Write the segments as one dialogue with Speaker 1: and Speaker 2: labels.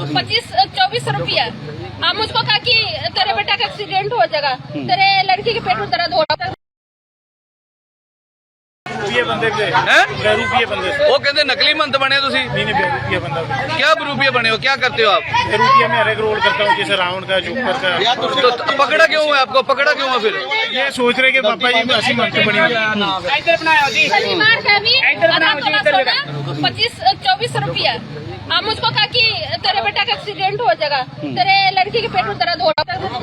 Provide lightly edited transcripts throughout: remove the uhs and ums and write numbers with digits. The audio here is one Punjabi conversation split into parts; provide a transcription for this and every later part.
Speaker 1: 25-24 रुपया। हम मुझको कहा कि तेरे बेटा का एक्सीडेंट हो जाएगा, तेरे लड़की के पेट में दर्द हो रहा है।
Speaker 2: बंदे बंदे
Speaker 3: वो कहते नकली मंत बने तुसी?
Speaker 2: नहीं बंदा।
Speaker 3: क्या बरूपिया बने हो, क्या करते हो आप?
Speaker 2: रूपिया में हर एक रोल करता हूँ, जैसे रावण का, जोकर का।
Speaker 3: तो पकड़ा क्यों है आपको, पकड़ा क्यों है फिर?
Speaker 2: ये सोच रहे कि पापा जी ऐसी मंत बनी।
Speaker 1: शनिवार का भी 25-24 रुपया। हम मुझको कहा कि तेरे बेटा का एक्सीडेंट हो जाएगा, तेरे लड़की के पेट में दर्द हो रहा है।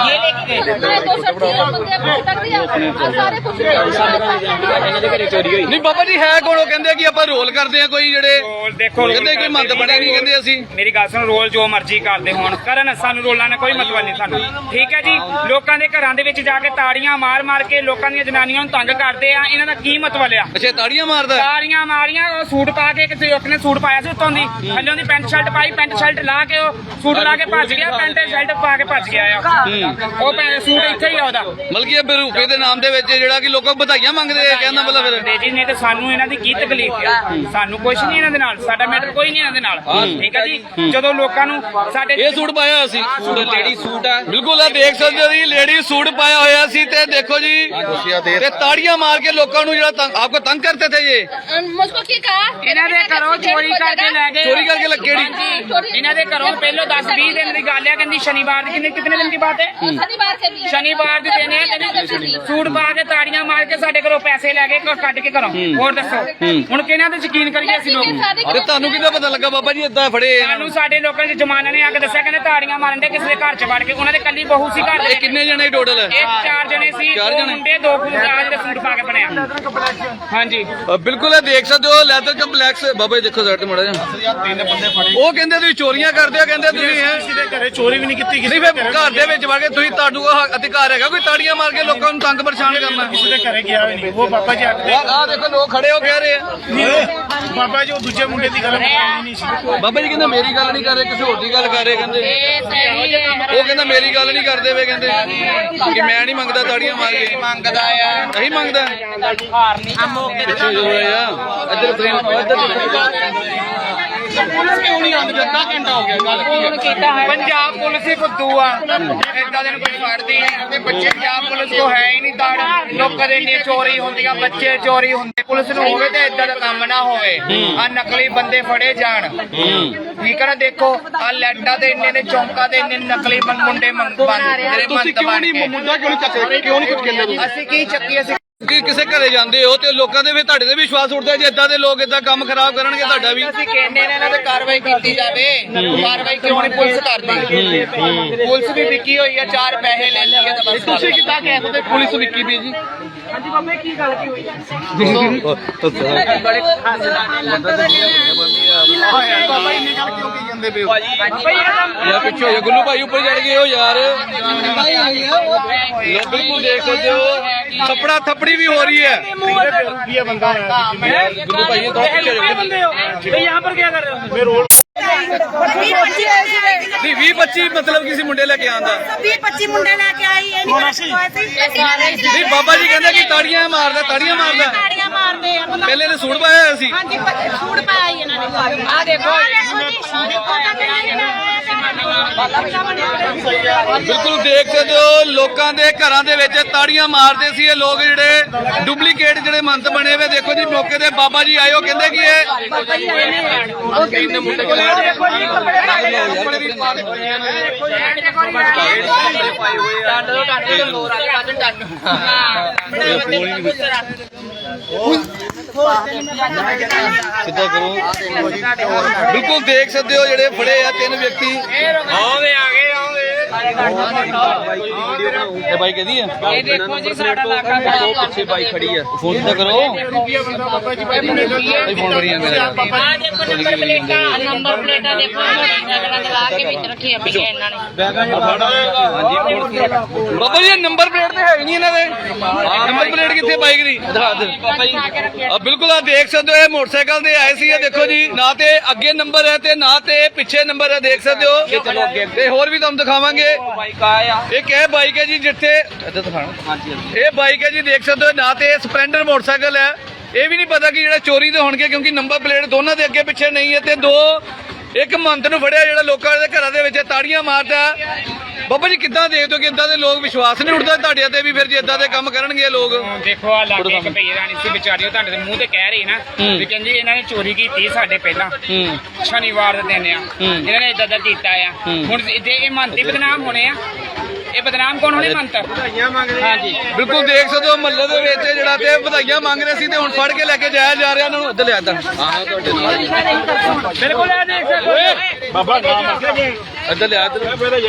Speaker 3: नहीं बाबा जी है कौन? कहते कि ਆਪਾਂ ਰੋਲ ਕਰਦੇ ਆ ਕੋਈ ਜਿਹੜੇ
Speaker 4: ਦੇਖੋ
Speaker 3: ਕਹਿੰਦੇ ਕੋਈ ਮੰਤ ਬਣੇ ਨਹੀਂ, ਕਹਿੰਦੇ ਅਸੀਂ।
Speaker 4: ਮੇਰੀ ਗੱਲ ਸੁਣ, ਰੋਲ ਜੋ ਮਰਜ਼ੀ ਕਰਦੇ ਹੋਣ ਕਰਨ, ਸਾਨੂੰ ਰੋਲਾਂ ਨਾਲ ਕੋਈ ਮਤਲਬ ਨਹੀਂ ਸਾਨੂੰ, ਠੀਕ ਹੈ ਜੀ। ਲੋਕਾਂ ਦੇ ਘਰਾਂ ਦੇ ਵਿੱਚ ਜਾ ਕੇ ਤਾੜੀਆਂ ਮਾਰ ਮਾਰ ਕੇ ਲੋਕਾਂ ਦੀਆਂ ਜਨਾਨੀਆਂ ਨੂੰ ਤੰਗ ਕਰਦੇ ਆ, ਇਹਨਾਂ ਦਾ ਕੀ ਮਤਲਬ ਆ?
Speaker 3: ਅੱਛਾ ਤਾੜੀਆਂ ਮਾਰਦਾ?
Speaker 4: ਤਾੜੀਆਂ ਮਾਰੀਆਂ, ਉਹ ਸੂਟ ਪਾ ਕੇ, ਕਿਸੇ ਇੱਕ ਨੇ ਸੂਟ ਪਾਇਆ ਸੀ ਉੱਤੋਂ ਦੀ, ਥੱਲੋਂ ਦੀ ਪੈਂਟ ਸ਼ਰਟ ਪਾਈ, ਪੈਂਟ ਸ਼ਰਟ ਲਾ ਕੇ ਉਹ ਸੂਟ ਲਾ ਕੇ ਭੱਜ ਗਿਆ, ਪੈਂਟ ਸ਼ਰਟ ਪਾ ਕੇ ਭੱਜ ਗਿਆ ਆ ਉਹ ਸੂਟ ਇੱਥੇ ਹੀ ਆ ਉਹਦਾ।
Speaker 3: ਮਤਲਬ ਕਿ ਇਹ ਬਰੂਪੇ ਦੇ ਨਾਮ ਦੇ ਵਿੱਚ ਜਿਹੜਾ ਕਿ ਲੋਕਾਂ ਵਧਾਈਆਂ ਮੰਗਦੇ ਆ, ਕਹਿੰਦਾ ਮਤਲਬ ਫਿਰ
Speaker 4: ਜੀ ਨੇ ਤੇ ਸਾਨੂੰ ਇਹਨਾਂ ਦੀ ਕੀ ਤਕਲੀਫ ਆ? ਸਾਨੂੰ ਕੁਝ ਨਹੀਂ ਇਹਨਾਂ ਦੇ ਨਾਲ, ਸਾਡਾ ਮੈਟਰ ਕੋਈ ਨਹੀਂ ਇਹਨਾਂ ਦੇ ਨਾਲ, ਠੀਕ ਹੈ ਜੀ। ਜਦੋਂ ਲੋਕਾਂ ਨੂੰ ਸਾਡੇ
Speaker 3: ਇਹ ਸੂਟ ਪਾਇਆ ਸੀ, ਲੇਡੀ ਸੂਟ ਆ, ਬਿਲਕੁਲ ਆ ਦੇਖ ਸਕਦੇ ਹੋ ਜੀ, ਲੇਡੀ ਸੂਟ ਪਾਇਆ ਹੋਇਆ ਸੀ ਤੇ ਦੇਖੋ ਜੀ ਤੇ ਤਾੜੀਆਂ ਮਾਰ ਕੇ ਲੋਕਾਂ ਨੂੰ ਜਿਹੜਾ ਆਪਕੋ ਤੰਗ ਕਰਤੇ ਥੇ। ਇਹ
Speaker 1: मुझको क्या कहा?
Speaker 4: ਇਹਨਾਂ ਦੇ ਘਰੋਂ ਚੋਰੀ ਕਰਕੇ ਲੈ ਗਏ।
Speaker 3: ਚੋਰੀ ਕਰਕੇ ਕਿਹੜੀ?
Speaker 4: ਇਹਨਾਂ ਦੇ ਘਰੋਂ ਪਹਿਲੋਂ 10-20 ਦਿਨ ਦੀ ਗੱਲ ਹੈ, ਕਹਿੰਦੀ ਸ਼ਨੀਵਾਰ ਦੀ, ਕਿਤਨੇ ਦਿਨ ਦੀ ਬਾਤ ਹੈ?
Speaker 1: शनिवार के भी
Speaker 4: ਸ਼ਨੀਵਾਰ ਦੀ ਦਿਨ ਹੈ, ਕਹਿੰਦੀ ਸੂਟ ਪਾ ਕੇ ਤਾੜੀਆਂ ਮਾਰ ਕੇ ਸਾਡੇ ਘਰੋਂ ਪੈਸੇ ਲੈ ਕੇ ਕੱਢ ਕੇ ਘਰੋਂ। ਹੋਰ ਦੱਸੋ ਹੁਣ ਕਿਹਨਾਂ ਤੇ ਯਕੀਨ ਕਰੀਏ ਅਸੀਂ ਲੋਕ?
Speaker 3: ਤੇ ਤੁਹਾਨੂੰ ਕਿੱਦਾਂ ਪਤਾ ਲੱਗਾ ਬਾਬਾ ਜੀ ਏਦਾਂ ਫੜੇ?
Speaker 4: ਸਾਨੂੰ ਸਾਡੇ ਲੋਕਾਂ ਦੇ ਜਮਾਨਾ ਨੇ ਆ ਕੇ ਦੱਸਿਆ, ਕਹਿੰਦੇ ਤਾੜੀਆਂ ਮਾਰਨ ਦੇ ਕਿਸੇ ਦੇ ਘਰ ਚ ਵੜ ਕੇ। ਉਹਨਾਂ ਦੇ ਕੱਲੀ ਬਹੂ ਸੀ ਘਰ ਦੇ।
Speaker 3: ਕਿੰਨੇ ਜਣੇ ਟੋਟਲ?
Speaker 4: ਇਹ 4 ਜਣੇ ਸੀ, 2 ਮੁੰਡੇ 2 ਕੁੜੀਆਂ ਦੇ ਸੂਟ ਪਾ ਕੇ ਬਣਿਆ। ਹਾਂਜੀ
Speaker 3: ਬਿਲਕੁਲ ਇਹ ਦੇਖ ਸਕਦੇ ਹੋ ਲੈਦਰ ਕੰਪਲੈਕਸ। ਬਾਬਾ ਜੀ ਦੇਖੋ ਸਾਈਡ ਤੇ ਮੜਾ ਜਾ।
Speaker 2: 3 ਬੰਦੇ ਫੜੇ।
Speaker 3: ਉਹ ਕਹਿੰਦੇ ਤੁਸੀਂ ਚੋਰੀਆਂ ਕਰਦੇ ਹੋ, ਕਹਿੰਦੇ ਤੁਸੀਂ ਹੈ
Speaker 2: ਕਿਸੇ ਦੇ ਘਰੇ ਚੋਰੀ ਵੀ ਨਹੀਂ ਕੀਤੀ, ਕਿਸੇ
Speaker 3: ਨਹੀਂ ਫਿਰ ਘਰ ਦੇ ਵਿੱਚ ਵੜ ਕੇ ਤੁਸੀਂ, ਤੁਹਾਨੂੰ ਅਧਿਕਾਰ ਹੈਗਾ ਕੋਈ ਤਾੜੀਆਂ ਮਾਰ ਕੇ ਲੋਕਾਂ ਨੂੰ ਤੰਗ ਪਰੇਸ਼ਾਨ ਕਰਨਾ?
Speaker 2: ਕਿਸੇ ਦੇ ਘਰੇ ਗਿਆ ਵੀ ਨਹੀਂ। ਉਹ ਪਾਪਾ ਜੀ ਅੱਡੇ
Speaker 3: ਆਹ ਦੇਖੋ ਲੋਕ ਖੜੇ ਹੋ ਕਹਿ ਰਹੇ ਆ।
Speaker 2: ਬਾਬਾ ਜੀ ਉਹ ਦੂਜੇ ਮੁੰਡੇ ਦੀ ਗੱਲ ਕਰਨੀ ਨਹੀਂ ਸੀ।
Speaker 3: ਬਾਬਾ ਜੀ ਕਹਿੰਦੇ ਮੇਰੀ ਗੱਲ ਨਹੀਂ ਕਰ ਰਹੇ, ਕਿਸੇ ਹੋਰ ਦੀ ਗੱਲ ਕਰ ਰਹੇ। ਕਹਿੰਦੇ ਉਹ ਕਹਿੰਦਾ ਮੇਰੀ ਗੱਲ ਨਹੀਂ ਕਰਦੇ ਵੇ, ਕਹਿੰਦੇ ਕਿ ਮੈਂ ਨਹੀਂ ਮੰਗਦਾ ਤਾੜੀਆਂ ਮਾਰ ਕੇ।
Speaker 4: ਮੰਗਦਾ ਆ,
Speaker 3: ਨਹੀਂ ਮੰਗਦਾ।
Speaker 4: ਹਾਰ ਨਹੀਂ
Speaker 3: ਪਿੱਛੇ ਜੋ ਹੋਇਆ ਇੱਧਰ ਫਰੇਮ
Speaker 4: ਪੁਲਿਸ ਕਿਉਂ ਨਹੀਂ ਆਉਂਦੀ? ਅੱਧਾ ਘੰਟਾ ਹੋ ਗਿਆ, ਗੱਲ ਕੀ ਹੈ? ਪੰਜਾਬ ਪੁਲਿਸ ਹੀ ਫੁੱਦੂ ਆ, ਏਦਾਂ ਦੇ ਨੂੰ ਕੋਈ ਫੜਦੀ ਨਹੀਂ ਤੇ ਬੱਚੇ ਪੰਜਾਬ ਪੁਲਿਸ ਕੋ ਹੈ ਹੀ ਨਹੀਂ ਤਾੜ। ਲੋਕਾਂ ਦੇ ਇੰਨੀ ਚੋਰੀ ਹੁੰਦੀਆਂ, ਬੱਚੇ ਚੋਰੀ ਹੁੰਦੇ, ਪੁਲਿਸ ਨੂੰ ਹੋਵੇ ਤੇ ਏਦਾਂ ਦਾ ਕੰਮ ਨਾ ਹੋਵੇ। ਆ ਨਕਲੀ ਬੰਦੇ ਫੜੇ ਜਾਣ, ਠੀਕ ਹੈ ਨਾ। ਦੇਖੋ ਆ ਲੈਟਾਂ ਦੇ ਇੰਨੇ ਨੇ, ਚੌਂਕਾਂ ਦੇ ਇੰਨੇ ਨਕਲੀ ਮੁੰਡੇ ਜਿਹੜੇ ਮੰਤ ਬਣ ਕੇ।
Speaker 3: ਮੁੰਡਾ ਕਿਉਂ ਨਹੀਂ ਚੱਕੇ, ਕਿਉਂ ਨਹੀਂ ਕੁਝ ਕਹਿੰਦੇ?
Speaker 4: ਅਸੀਂ ਕੀ ਚੱਕੀ? ਅਸੀਂ
Speaker 3: ਕਿ ਕਿਸੇ ਘਰੇ ਜਾਂਦੇ ਹੋ ਤੇ ਲੋਕਾਂ ਦੇ ਵੀ ਤੁਹਾਡੇ ਤੇ ਵਿਸ਼ਵਾਸ ਉੱਠਦਾ ਜੇ ਏਦਾਂ ਦੇ ਲੋਕ ਏਦਾਂ ਕੰਮ ਖਰਾਬ ਕਰਨਗੇ ਤੁਹਾਡਾ ਵੀ।
Speaker 4: ਅਸੀਂ ਕਹਿੰਦੇ ਨੇ ਇਹਨਾਂ ਤੇ ਕਾਰਵਾਈ ਕੀਤੀ ਜਾਵੇ। ਕਾਰਵਾਈ ਕਿਉਂ ਨਹੀਂ ਪੁਲਿਸ ਕਰਦੀ? ਪੁਲਿਸ ਵੀ ਵਿਕੀ ਹੋਈ ਆ, 4 ਪੈਸੇ ਲੈ ਲਈਏ ਤਾਂ ਬਸ।
Speaker 3: ਤੁਸੀਂ ਕਿੱਦਾਂ ਕਹਿ ਸਕਦੇ ਪੁਲਿਸ ਵਿਕੀ ਵੀ ਜੀ?
Speaker 4: ਹਾਂਜੀ ਬਾਬੇ ਕੀ ਗੱਲ ਕੀ ਹੋਈ?
Speaker 3: ਬੜੇ ਬਾਬਾ ਇੰਨੀ ਗੱਲ ਕਿਉਂ ਕੀ ਕਹਿੰਦੇ ਪਏ ਹੋ? ਯਾਰ ਪਿੱਛੇ ਹੋ ਜਾ ਗੁੱਲੂ ਭਾਈ, ਉੱਪਰ ਚੜ ਗਏ ਹੋ ਯਾਰ। ਲੋਕ ਬਿਲਕੁਲ ਦੇਖ ਸਕਦੇ ਹੋ ਥੱਪੜਾ ਥੱਪੜੀ ਵੀ ਹੋ ਰਹੀ ਹੈ।
Speaker 2: ਰੁਪਿਆ ਬੰਦਾ ਹੈ
Speaker 3: ਗੁੱਲੂ ਭਾਈ ਥੋੜਾ ਪਿੱਛੇ ਹੋ
Speaker 4: तो यहाँ पर क्या कर रहे हो?
Speaker 2: ਮੈਂ ਰੋਲ
Speaker 3: 20-25 ਮਤਲਬ ਕਿਸੇ ਮੁੰਡੇ ਲੈ ਕੇ ਆਂਦਾ
Speaker 5: 20-25 ਮੁੰਡੇ ਲੈ ਕੇ ਆਈ ਇਹ ਨਹੀਂ
Speaker 3: ਨਹੀਂ ਬਾਬਾ ਜੀ ਕਹਿੰਦੇ ਕਿ ਤਾੜੀਆਂ ਮਾਰਦਾ, ਤਾੜੀਆਂ ਮਾਰਦਾ।
Speaker 5: ਤਾੜੀਆਂ ਮਾਰਦੇ ਆ
Speaker 3: ਪਹਿਲੇ ਨੇ ਸੂਟ ਪਾਇਆ ਹੋਇਆ ਸੀ।
Speaker 5: ਹਾਂਜੀ ਸੂਟ ਪਾਇਆ ਇਹਨਾਂ ਨੇ। ਆ ਦੇਖੋ
Speaker 3: ਬਿਲਕੁਲ ਦੇਖ ਸਕਦੇ ਹੋ ਲੋਕਾਂ ਦੇ ਘਰਾਂ ਦੇ ਵਿੱਚ ਤਾੜੀਆਂ ਮਾਰਦੇ ਸੀ ਇਹ ਲੋਕ, ਜਿਹੜੇ ਡੁਪਲੀਕੇਟ ਜਿਹੜੇ ਮੰਤ ਬਣੇ ਹੋਏ। ਦੇਖੋ ਜੀ ਮੌਕੇ ਤੇ ਬਾਬਾ ਜੀ ਆਏ, ਉਹ ਕਹਿੰਦੇ ਕਿ ਇਹ ਸਿੱਧਾ ਕਰੋ। ਬਿਲਕੁਲ ਦੇਖ ਸਕਦੇ ਹੋ ਜਿਹੜੇ ਫੜੇ ਆ 3 ਵਿਅਕਤੀ।
Speaker 4: ਆਵੇ ਆ ਗਏ ਆਵੇ।
Speaker 3: ਇਹ ਬਾਈਕ ਇਹਦੀ ਹੈ।
Speaker 4: ਇਹ ਦੇਖੋ ਜੀ ਸਾਡਾ ਇਲਾਕਾ
Speaker 3: ਉਹ ਪਿੱਛੇ ਬਾਈਕ ਖੜੀ ਹੈ, ਫੋਨ ਸਿੱਧਾ ਕਰੋ।
Speaker 2: ਰੁਪਿਆ ਬੰਦਾ ਬਾਬਾ ਜੀ
Speaker 3: ਇਹ ਫੋਨ ਕਰੀ ਜਾਂਦੇ
Speaker 5: ਆ ਦੇਖੋ ਨੰਬਰ ਪਲੇਟਾਂ, ਨੰਬਰ ਪਲੇਟਾਂ ਦੇਖੋ ਲਾ ਕੇ ਵਿੱਚ ਰੱਖੀ ਆ ਪਈ ਇਹਨਾਂ ਨੇ।
Speaker 3: ਬਾਬਾ ਜੀ ਨੰਬਰ ਪਲੇਟ ਤੇ ਹੈ ਨਹੀਂ ਇਹਨਾਂ ਦੇ। ਨੰਬਰ ਪਲੇਟ ਕਿੱਥੇ ਬਾਈਕ ਦੀ? ਦਿਖਾ ਦੇ ਆ। ਬਿਲਕੁਲ ਆ ਦੇਖ ਸਕਦੇ ਹੋ ਇਹ ਮੋਟਰਸਾਈਕਲ ਦੇ ਆਏ ਸੀ। ਇਹ ਦੇਖੋ ਜੀ ਨਾ ਤੇ ਅੱਗੇ ਨੰਬਰ ਹੈ ਤੇ ਨਾ ਤੇ ਪਿੱਛੇ ਨੰਬਰ ਹੈ, ਦੇਖ ਸਕਦੇ ਹੋ। ਤੇ ਹੋਰ ਵੀ ਤੁਹਾਨੂੰ ਦਿਖਾਵਾਂਗੇ। ਇਹ ਕਿਹ ਬਾਈਕ ਹੈ ਜੀ ਜਿੱਥੇ ਇਹ ਬਾਈਕ ਹੈ ਜੀ, ਦੇਖ ਸਕਦੇ ਹੋ। ਨਾ ਤੇ ਇਹ ਸਪਲੈਂਡਰ ਮੋਟਰਸਾਈਕਲ ਹੈ, ਇਹ ਵੀ ਨਹੀਂ ਪਤਾ ਕਿ ਜਿਹੜਾ ਚੋਰੀ ਦੇ ਹੋਣਗੇ ਕਿਉਂਕਿ ਨੰਬਰ ਪਲੇਟ ਦੋਨਾਂ ਦੇ ਅੱਗੇ ਪਿੱਛੇ ਨਹੀਂ ਹੈ। ਤੇ 2 ਇੱਕ ਮੰਤ ਨੂੰ ਫੜਿਆ ਜਿਹੜਾ ਲੋਕਾਂ ਦੇ ਘਰਾਂ ਦੇ ਵਿੱਚ ਤਾੜੀਆਂ ਮਾਰਦਾ। ਬਾਬਾ ਜੀ ਕਿੱਦਾਂ ਦੇਖਦੇ ਹੋ ਕਿ ਇਦਾਂ ਦੇ ਲੋਕ ਵਿਸ਼ਵਾਸ ਨਹੀਂ ਉੱਠਦਾ ਤੁਹਾਡੇ ਤੇ ਵੀ ਫਿਰ ਜੇ ਇਦਾਂ ਦੇ ਕੰਮ ਕਰਨਗੇ ਲੋਕ?
Speaker 4: ਦੇਖੋ ਆ ਲਾਗੇ ਇੱਕ ਭਈ ਰਾਣੀ ਸੀ ਵਿਚਾਰੀ, ਉਹ ਤੁਹਾਡੇ ਦੇ ਮੂੰਹ ਤੇ ਕਹਿ ਰਹੀ ਨਾ ਵੀ ਕਹਿੰਦੀ ਇਹਨਾਂ ਨੇ ਚੋਰੀ ਕੀਤੀ ਸਾਡੇ ਪਹਿਲਾਂ ਸ਼ਨੀਵਾਰ ਦੇ ਦਿਨ ਆ, ਇਹਨਾਂ ਨੇ ਇਦਾਂ ਕੀਤਾ ਆ। ਹੁਣ ਜੇ ਇਹ ਮੰਤੀ ਬਦਨਾਮ ਹੋਣੇ ਆ, ਇਹ ਬਦਨਾਮ ਕੌਣ ਹੋਣੇ? ਮੰਤ ਹਾਂਜੀ
Speaker 3: ਬਿਲਕੁਲ ਦੇਖ ਸਕਦੇ ਹੋ ਮਹੱਲੇ ਦੇ ਵਿੱਚ ਜਿਹੜਾ ਤੇ ਵਧਾਈਆਂ ਮੰਗ ਰਹੇ ਸੀ ਤੇ ਹੁਣ ਫੜ ਕੇ ਲੈ ਕੇ ਜਾਇਆ ਜਾ ਰਿਹਾ ਇਹਨਾਂ ਨੂੰ। ਇੱਧਰ ਲਿਆ ਇੱਧਰ
Speaker 4: ਬਿਲਕੁਲ ਆ ਦੇਖ ਸਕਦੇ
Speaker 2: ਬਾਬਾ ਨਾਮ ਰੱਖਿਆ
Speaker 3: ਇੱਧਰ ਲਿਆ ਇੱਧਰ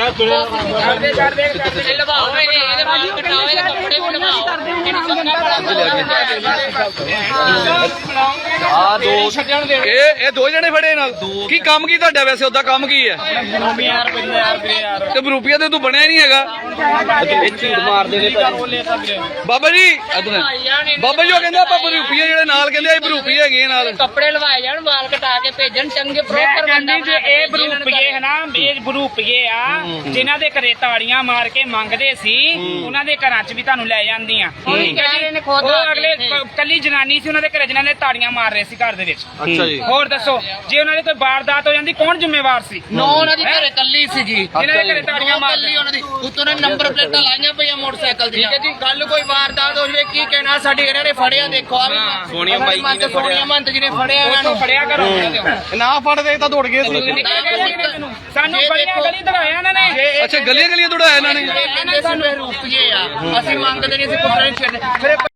Speaker 5: ਲਵਾਓ ਇਹਦੇ ਬਾਲ ਕਟਾਓ, ਇਹਦੇ ਕੱਪੜੇ ਵੀ ਲਵਾਓ, ਇਹਨੂੰ ਸੁਣਨਾ
Speaker 3: ਇਹ ਦੋ ਜਣੇ ਫੜੇ ਨਾਲ। ਕੀ ਕੰਮ ਕੀ ਤੁਹਾਡਾ ਵੈਸੇ? ਉਹਦਾ ਕੰਮ ਕੀ ਹੈ? ਤੇ ਰੁਪਈਆ ਤੇ ਤੂੰ ਬਣਿਆ ਹੀ ਨਹੀਂ ਹੈਗਾ। ਬਾਬਾ ਜੀ ਇੱਧਰ ਬਾਬਾ ਜੀ ਉਹ ਕਹਿੰਦੇ ਆਪਾਂ ਰੁਪਈਏ ਜਿਹੜੇ ਨਾਲ ਕਹਿੰਦੇ ਆ ਰੁਪਈਏ ਹੈਗੇ ਨਾਲ।
Speaker 5: ਕੱਪੜੇ ਲਵਾਏ ਜਾਣ, ਵਾਲ ਕਟਾ ਕੇ ਭੇਜਣ, ਚੰਗੇ ਪ੍ਰੋਪਰ ਬੰਦਾ
Speaker 4: ਜੇ ਇਹ ਬਰੂਪੀਏ ਹੈ ਨਾ, ਇਹ ਬਰੂਪੀਏ ਆ ਜਿਨ੍ਹਾਂ ਦੇ ਘਰੇ ਤਾੜੀਆਂ ਮਾਰ ਕੇ ਮੰਗਦੇ ਸੀ, ਉਹਨਾਂ ਦੇ ਘਰਾਂ 'ਚ ਵੀ ਤੁਹਾਨੂੰ ਲੈ ਜਾਂਦੀਆਂ। ਠੀਕ ਹੈ ਜੀ। ਉਹ ਅਗਲੇ ਕੱਲੀ ਜਨਾਨੀ ਸੀ ਉਹਨਾਂ ਦੇ ਘਰੇ, ਜਿਨ੍ਹਾਂ ਨੇ ਤਾੜੀਆਂ ਮਾਰ ਰਹੇ ਸੀ ਘਰ ਦੇ ਵਿੱਚ।
Speaker 3: ਅੱਛਾ ਜੀ।
Speaker 4: ਹੋਰ ਦੱਸੋ, ਜੇ ਉਹਨਾਂ ਦੀ ਕੋਈ ਵਾਰਦਾਤ ਹੋ ਜਾਂਦੀ ਕੌਣ ਜ਼ਿੰਮੇਵਾਰ ਸੀ?
Speaker 5: ਉਹਨਾਂ ਦੀ ਘਰੇ ਕੱਲੀ ਸੀ ਜੀ,
Speaker 4: ਜਿਨ੍ਹਾਂ ਦੇ ਘਰੇ ਤਾੜੀਆਂ ਮਾਰ
Speaker 5: ਕੱਲੀ ਉਹਨਾਂ ਦੀ ਉੱਤੋਂ ਨੇ ਨੰਬਰ ਪਲੇਟਾਂ ਲਾਈਆਂ ਪਈਆਂ ਮੋਟਰਸਾਈਕਲ ਦੀਆਂ। ਠੀਕ ਹੈ ਜੀ। ਕੱਲ ਕੋਈ ਵਾਰਦਾਤ ਹੋ ਜਵੇ ਕੀ ਕਹਿਣਾ? ਸਾਡੇ ਇਹਨਾਂ ਨੇ ਫੜਿਆ, ਦੇਖੋ ਆ ਸੋਨੀਆ ਬਾਈ ਜੀ, ਸੋਨੀਆ ਮੰਤ ਜੀ ਨੇ ਫੜਿਆ ਇਹਨਾਂ ਨੂੰ।
Speaker 4: ਫੜਿਆ ਕਰੋ
Speaker 3: ਨਾ ਫੜਦੇ ਤਾਂ ਦੌੜ ਗਏ ਸੀ।
Speaker 4: ਸਾਨੂੰ ਬੜੀਆਂ ਗਲੀ ਦੜਾਇਆ ਇਹਨਾਂ ਨੇ।
Speaker 3: ਅੱਛਾ ਗਲੀਆਂ ਗਲੀਆਂ ਦੌੜਾਇਆ ਇਹਨਾਂ ਨੇ।
Speaker 5: ਸਾਨੂੰ ਰੁਪਈਏ ਆ, ਅਸੀਂ ਮੰਗਦੇ ਨਹੀਂ, ਅਸੀਂ ਕੁੱਟਣੇ ਛੱਡ ਫਿਰ